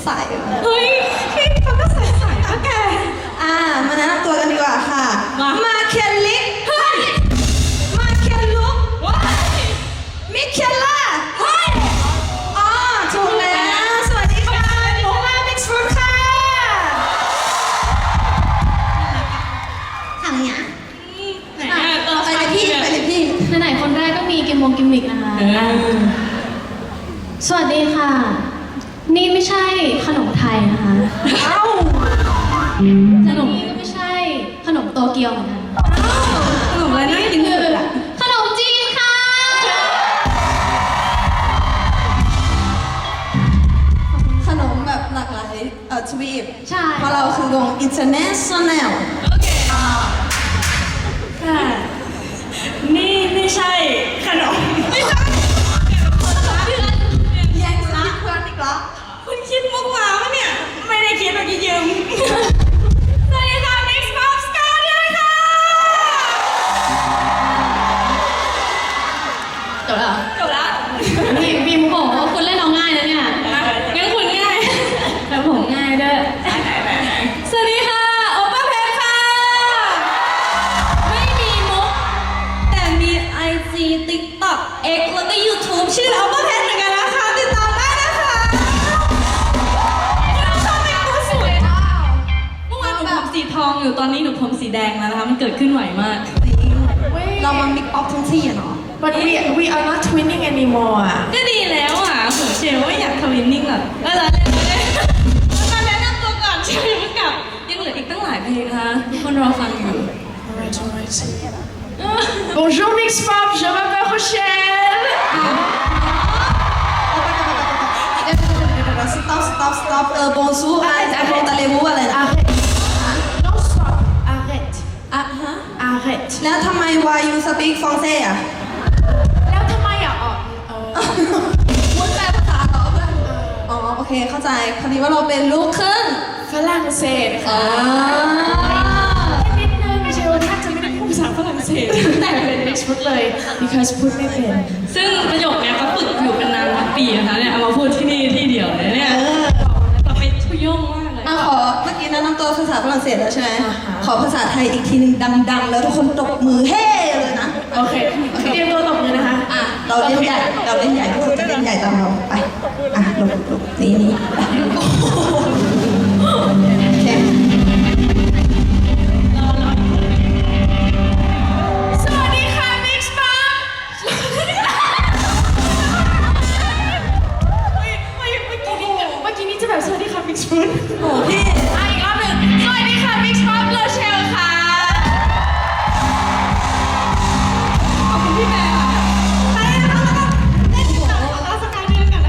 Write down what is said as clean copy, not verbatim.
ใสเฮ้ยพี่เขาก็ใส่ก็แกมาแนะนำตัวกันดีกว่าค่ะมาเคียนลิกเฮ้ยมาเคียนลุกมิเคล่าเฮ้ยอ๋อถูกแล้วสวัสดีค่ะโมลามิกซ์ฟรุตค่ะทำยังไปเลยพี่ไหนๆคนแรกก็มีกิมมิกนะคะสวัสดีค่ะนี่ไม่ใช่ขนมไทยนะคะขนมนี้ก็ไม่ใช่ขนมโตเกียวเหมือนกันขนมอะไรน่ากินสุดอะขนมจีนค่ะขนมแบบหลากหลายทวีปใช่เพราะเราคือวง international โอเคค่ะนี่ไม่ใช่ขนมไม่ใช่แย่งซีเพื่อนอีกแล้วคุณคิดมุกมาปะเนี่ยไม่ได้คิดเมื่อกี้ยืมสวัสดีค่ะ Mix Pop Star ด้วยค่ะจบแล้วจบละบีมบอกว่าคุณเล่นเอาง่ายนะเนี่ยงั้นคุณง่ายแต่ผมง่ายด้วยสวัสดีค่ะโอป้าเพชรค่ะไม่มีมุกแต่มี IG TikTok X แล้วก็ YouTube ชื่อโอป้าเพชรเหมือนกันนะคะติดตามได้นะคะเราชอบแต่งตัวสวยมากเมื่อวานหนูผมสีทองอยู่ตอนนี้หนูผมสีแดงแล้วนะคะมันเกิดขึ้นไหวมากเรามา mix up ทั้งที่อะเนาะ But we are not twinning anymore อ่ะก็ดีแล้วอ่ะเหมือนเชลว่าอยากทวินนิ่งหรอกก็เลยมาแนะนำตัวก่อนเชลยังไม่กลับยังเหลืออีกตั้งหลายเพลงนะคะทุกคนรอฟังอยู่ Bonjour Mix Pop, je m'appelle Rochelle stop bonjour อะไรอะไรนะ Non, stop, arrête อ่ะฮะ arrête แล้วทำไม why you speak ฟรองเศสอ่ะแล้วทำไมอ่ะพูดแปลภาษาเหรอเพื่อนอ๋อโอเคเข้าใจพอดีว่าเราเป็นลูกครึ่งฝรั่งเศสค่ะนิดนึงเชลแทบจะไม่ได้พูดภาษาฝรั่งเศสแต่เป็น Mix Pop เลย because พูดไม่เป็นซึ่งประโยคเนี้ยเขาฝึกอยู่เป็นนานพันปีนะคะเนี่ยเอามาพูดที่นี่ที่เดียวเลยเนี่ยเราเป็นชุยงมากเลยขอเมื่อกี้แนะนำตัวภาษาฝรั่งเศสแล้วใช่ไหมขอภาษาไทยอีกทีหนึงดังๆแล้วทุกคนตบมือเฮ้เลยนะโอเคเตรียมตัวตบมือนะคะเราเล่นใหญ่ทุกคนจะเล่นใหญ่ตามเราไปหลบนี่โอเคสวัสดีค่ะ Mix Pop เมื่อกี้นี้จะแบบสวัสดีค่ะ Mix Pop โอ้พี่